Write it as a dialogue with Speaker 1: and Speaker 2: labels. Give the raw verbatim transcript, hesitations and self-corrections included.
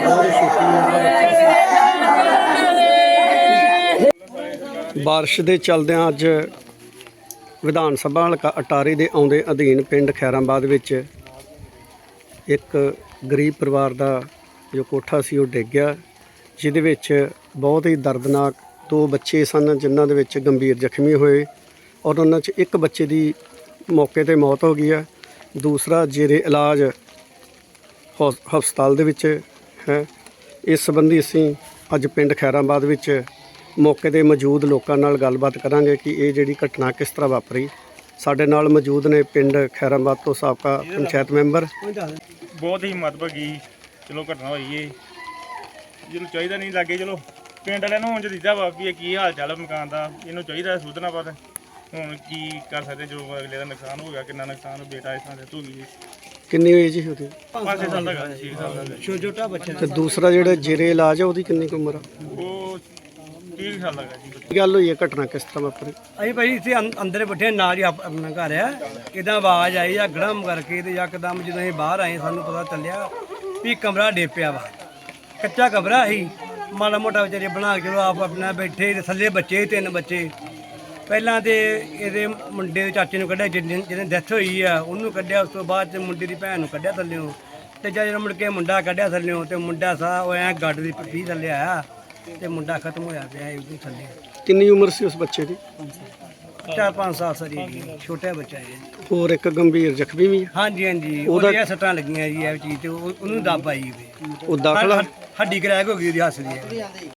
Speaker 1: ਬਾਰਿਸ਼ ਦੇ ਚਲਦਿਆਂ ਅੱਜ ਵਿਧਾਨ ਸਭਾ ਹਲਕਾ ਅਟਾਰੀ ਦੇ ਆਉਂਦੇ ਅਧੀਨ ਪਿੰਡ ਖੈਰਾਬਾਦ ਵਿੱਚ ਇੱਕ ਗਰੀਬ ਪਰਿਵਾਰ ਦਾ ਜੋ ਕੋਠਾ ਸੀ ਉਹ ਡਿੱਗ ਗਿਆ, ਜਿਹਦੇ ਵਿੱਚ ਬਹੁਤ ਹੀ ਦਰਦਨਾਕ ਦੋ ਬੱਚੇ ਸਨ ਜਿਨ੍ਹਾਂ ਦੇ ਵਿੱਚ ਗੰਭੀਰ ਜ਼ਖਮੀ ਹੋਏ ਔਰ ਉਹਨਾਂ 'ਚ ਇੱਕ ਬੱਚੇ ਦੀ ਮੌਕੇ 'ਤੇ ਮੌਤ ਹੋ ਗਈ ਹੈ, ਦੂਸਰਾ ਜੇਰੇ ਇਲਾਜ ਹਸਪਤਾਲ ਦੇ ਵਿੱਚ ਹੈ। ਇਸ ਸੰਬੰਧੀ ਅਸੀਂ ਅੱਜ ਪਿੰਡ ਖੈਰਾਬਾਦ ਵਿੱਚ ਮੌਕੇ 'ਤੇ ਮੌਜੂਦ ਲੋਕਾਂ ਨਾਲ ਗੱਲਬਾਤ ਕਰਾਂਗੇ ਕਿ ਇਹ ਜਿਹੜੀ ਘਟਨਾ ਕਿਸ ਤਰ੍ਹਾਂ ਵਾਪਰੀ। ਸਾਡੇ ਨਾਲ ਮੌਜੂਦ ਨੇ ਪਿੰਡ ਖੈਰਾਬਾਦ ਤੋਂ ਸਾਬਕਾ ਪੰਚਾਇਤ ਮੈਂਬਰ।
Speaker 2: ਬਹੁਤ ਹੀ ਮਤਭਗੀ ਚਲੋ ਘਟਨਾ ਹੋਈ ਏ, ਜਿਹਨੂੰ ਚਾਹੀਦਾ ਨਹੀਂ ਲੱਗੇ। ਚਲੋ ਪਿੰਡ ਵਾਲਿਆਂ ਨੂੰ ਹੁਣ ਦਿੱਤਾ ਵਾ ਵੀ ਇਹ ਕੀ ਹਾਲ ਚਾਲ ਮਕਾਨ ਦਾ, ਇਹਨੂੰ ਚਾਹੀਦਾ ਸੁਧਰਨਾ। ਪਰ ਹੁਣ ਕੀ ਕਰ ਸਕਦੇ, ਜੋ ਅਗਲੇ ਦਾ ਨੁਕਸਾਨ ਹੋ ਗਿਆ। ਕਿੰਨਾ ਨੁਕਸਾਨ ਬੇਟਾ ਇਸ ਤਰ੍ਹਾਂ ਦੇ ਹੋ ਗਈ।
Speaker 1: ਕਿੰਨੀ ਹੋਈ ਜੀ ਉਹਦੀ?
Speaker 2: ਪੰਜ ਛੇ ਸਾਲ ਦਾ ਗਾ, ਛੇ ਸਾਲ ਦਾ
Speaker 3: ਛੋਟਾ ਬੱਚਾ।
Speaker 1: ਤੇ ਦੂਸਰਾ ਜਿਹੜਾ ਜੇਰੇ ਇਲਾਜ ਹੈ ਉਹਦੀ ਕਿੰਨੀ ਕੁ ਉਮਰ ਆ?
Speaker 2: ਉਹ ਤੀਹ ਸਾਲ ਦਾ ਗਾ ਜੀ।
Speaker 1: ਕੀ ਗੱਲ ਹੋਈ ਹੈ, ਘਟਨਾ ਕਿਸ ਤਰ੍ਹਾਂ ਵਾਪਰੀ?
Speaker 3: ਅਸੀਂ ਭਾਈ ਇੱਥੇ ਅੰ- ਅੰਦਰ ਬੈਠੇ ਨਾਲ ਹੀ ਆਪ- ਆਪਣਾ ਘਰ ਆ, ਕਿਦਾਂ ਆਵਾਜ਼ ਆਈ ਆ ਗੜਮ ਕਰਕੇ ਤੇ ਯਕਦਮ ਜਦੋਂ ਅਸੀਂ ਬਾਹਰ ਆਏ ਸਾਨੂੰ ਪਤਾ ਚੱਲਿਆ ਵੀ ਕਮਰਾ ਡਿੱਗ ਪਿਆ ਵਾ। ਕੱਚਾ ਕਮਰਾ ਸੀ, ਮਾੜਾ ਮੋਟਾ ਵਿਚਾਰੇ ਬਣਾ ਕੇ ਚਲੋ ਆਪ ਆਪਣਾ ਬੈਠੇ ਤੇ ਥੱਲੇ ਬੱਚੇ ਤਿੰਨ ਬੱਚੇ। ਪਹਿਲਾਂ ਤੇ ਇਹਦੇ ਮੁੰਡੇ ਦੇ ਚਾਚੇ ਨੂੰ ਕੱਢਿਆ, ਜਿਹਨੇ ਜਿਹਨੇ ਡੈਥ ਹੋਈ ਆ ਉਹਨੂੰ ਕੱਢਿਆ। ਉਸ ਤੋਂ ਬਾਅਦ ਚ ਮੁੰਡੇ ਦੀ ਭੈਣ ਨੂੰ ਕੱਢਿਆ ਥੱਲਿਓਂ, ਤੇ ਜਦੋਂ ਮੁੜ ਕੇ ਮੁੰਡਾ ਕੱਢਿਆ ਥੱਲਿਓਂ ਤੇ ਮੁੰਡਾ ਸਾਹ ਉਹ ਐਂ ਗੱਡ ਦੀ ਪੱਟੀ ਥੱਲੇ ਆਇਆ ਤੇ ਮੁੰਡਾ ਖਤਮ ਹੋਇਆ ਪਿਆ ਇਹ ਥੱਲੇ।
Speaker 1: ਕਿੰਨੀ ਉਮਰ ਸੀ ਉਸ ਬੱਚੇ ਦੀ?
Speaker 3: ਚਾਰ ਪੰਜ ਸਾਲ ਸਰੀ ਜੀ, ਛੋਟਾ ਬੱਚਾ ਹੈ।
Speaker 1: ਹੋਰ ਇੱਕ ਗੰਭੀਰ ਜ਼ਖਮੀ ਵੀ ਹੈ?
Speaker 3: ਹਾਂਜੀ ਹਾਂਜੀ,
Speaker 1: ਉਹਦਾ-
Speaker 3: ਉਹਦੀਆਂ ਸੱਟਾਂ ਲੱਗੀਆਂ ਜੀ ਇਹ ਚੀਜ਼ ਤੇ ਉਹ- ਉਹਨੂੰ ਦੱਬ ਆਈ ਵੀ।
Speaker 1: ਉਹ ਦਾਖਲ ਆ?
Speaker 3: ਹੱਡੀ ਕਰੈਕ ਹੋ ਗਈ ਉਹਦੀ ਹੱਸ ਦੀ।